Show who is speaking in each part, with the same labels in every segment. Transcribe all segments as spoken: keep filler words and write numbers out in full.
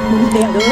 Speaker 1: มึงเตียงเด้อ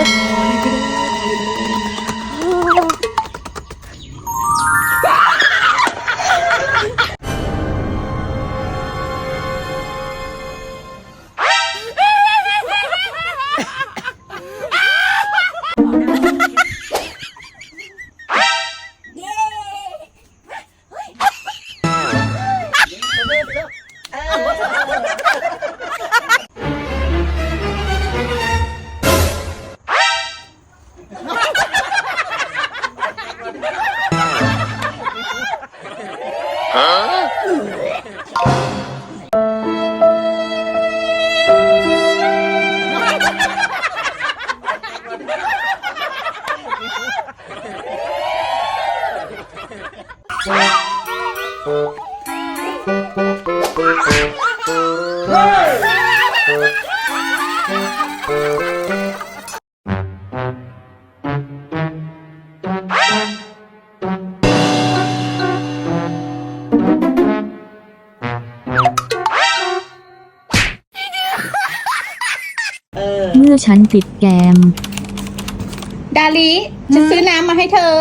Speaker 2: เมื่อฉันติดแกม
Speaker 3: ดาลิจะซื้อน้ำมาให้เธอ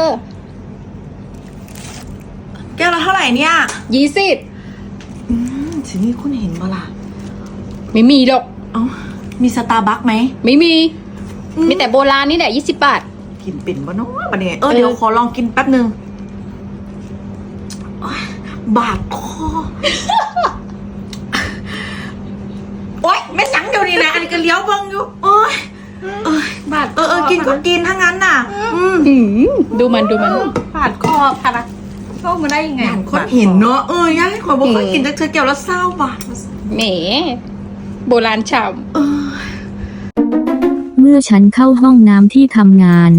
Speaker 1: แก้วละเท่าไหร่เนี่ย
Speaker 3: ยี่สิบ
Speaker 1: สินี่คุณเห็นปะล่ะ
Speaker 3: ไม่มีดอก
Speaker 1: เอ้ามีสตาร์บัคไหม
Speaker 3: ไม่มีมีแต่โบราณนี่แหละยี่สิบบาท
Speaker 1: กินเป็นปะเนาะปะเนี่ยเออเดี๋ยวขอลองกินแป๊บนึงบาดคอโอ๊ยไม่สังเดี๋ยวนี้นะอันนี้ก็เลี้ยวเบิ้งอยู่โอ๊ยเออบาดเออเออกินก็กินทั้งนั้นน่ะอืม
Speaker 3: ดูมันดูมัน
Speaker 1: บาดคอพารักเข้ามาได้ยังไงคนเห็นเนาะเออย่าให้ขอบอกเคยกินจะเจอแก้วแล้วเศร้าบาด
Speaker 3: แหมโบราณฉ่
Speaker 2: ำเมื่อฉันเข้าห้องน้ำที่ทำงาน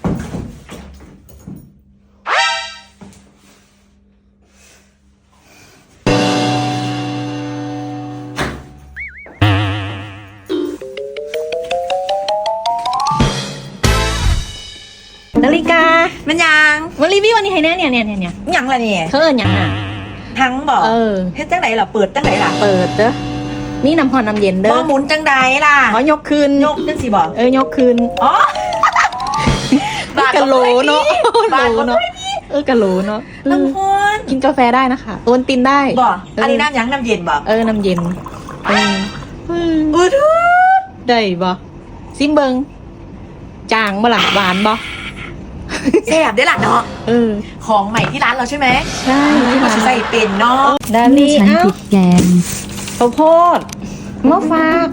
Speaker 1: นาฬิกามันยัง
Speaker 3: วันรีวิววันนี้ให้แน่เนี่ยเนี่ยเนี่ยเนี่ย
Speaker 1: ยังละเนี่ย
Speaker 3: เธอยังอ่ะ
Speaker 1: ทั้งบอก
Speaker 3: เออ
Speaker 1: เฮ็ดจังไหนล่ะเปิดจังไหนล่ะ
Speaker 3: เปิดเด้อนี่น้ำพรน้ำเย็นเด้อ
Speaker 1: บ่หมุนจังใดล่ะ
Speaker 3: อ๋อยกคืน
Speaker 1: ยกจังสิบอก
Speaker 3: เออยกคืน
Speaker 1: อ๋อก
Speaker 3: ะโหลเนาะโหลเนาะเออกะโหลเนาะ
Speaker 1: น้ำพร
Speaker 3: กินกาแฟได้นะคะโอนตินได้
Speaker 1: บอกอันนี้น้ำยังน้ำเย็นบอก
Speaker 3: เออน้ำเย็นเออ
Speaker 1: เออทุก
Speaker 3: ได้บ่ซิมเบิงจางบ่ล่ะหวานบ่
Speaker 1: แซ่บได้ล่ะเนาะ
Speaker 3: เออ
Speaker 1: ของใหม่ที่ร้านเราใช่ไหม
Speaker 3: ใช่
Speaker 1: ที่มาใส่เป็นเนาะ
Speaker 2: ดาลี่ฉันติดแกม
Speaker 3: ข้าวโพดมะฝาก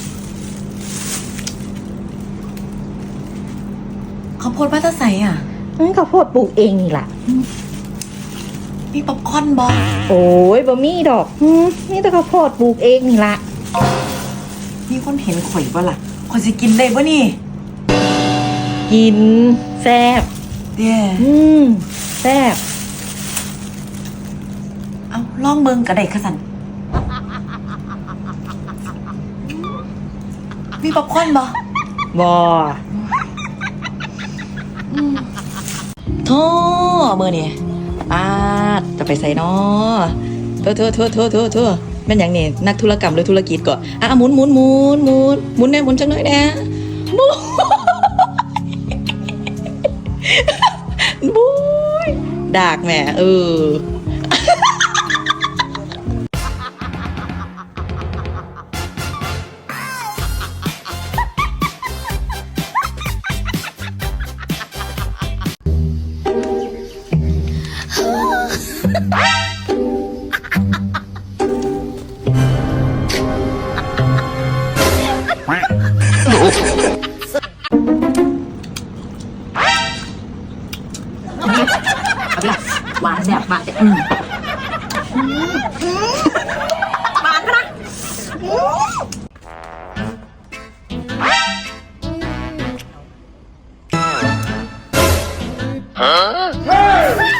Speaker 1: ข้าวโพดบ้านตาใสอ่ะ
Speaker 3: นี่ข้าวโพดปลูกเองนี่แหละ
Speaker 1: มีป๊อปคอร์นบอ
Speaker 3: โอ้ยบะมี่ดอกนี่แต่ข้าวโพดปลูกเองนี่ละ
Speaker 1: มีคนเห็นข่อยบ่ล่ะข่อยจะกินได้บ่นี่
Speaker 3: กินแซ่บ
Speaker 1: เด้อ
Speaker 3: อืมแซ่บ
Speaker 1: เอาลองเบิ่งกระไดขสันมีป๊อปคอร์นบ่
Speaker 3: บ่
Speaker 1: โธ่มื้อนี่ปาดจะไปใส่น้อโธ่โธ่โธ่โธ่โธ่โธ่แม่นหยังนี่นักธุรกรรมหรือธุรกิจก่อนอ่ะหมุนหมุนหมุนหมุนหมุนแน่หมุนจังหน่อยแน่บุ้ยบุ้ยดากแม่เออหวานแซ่บหวานแต่อืมหวานนะฮะ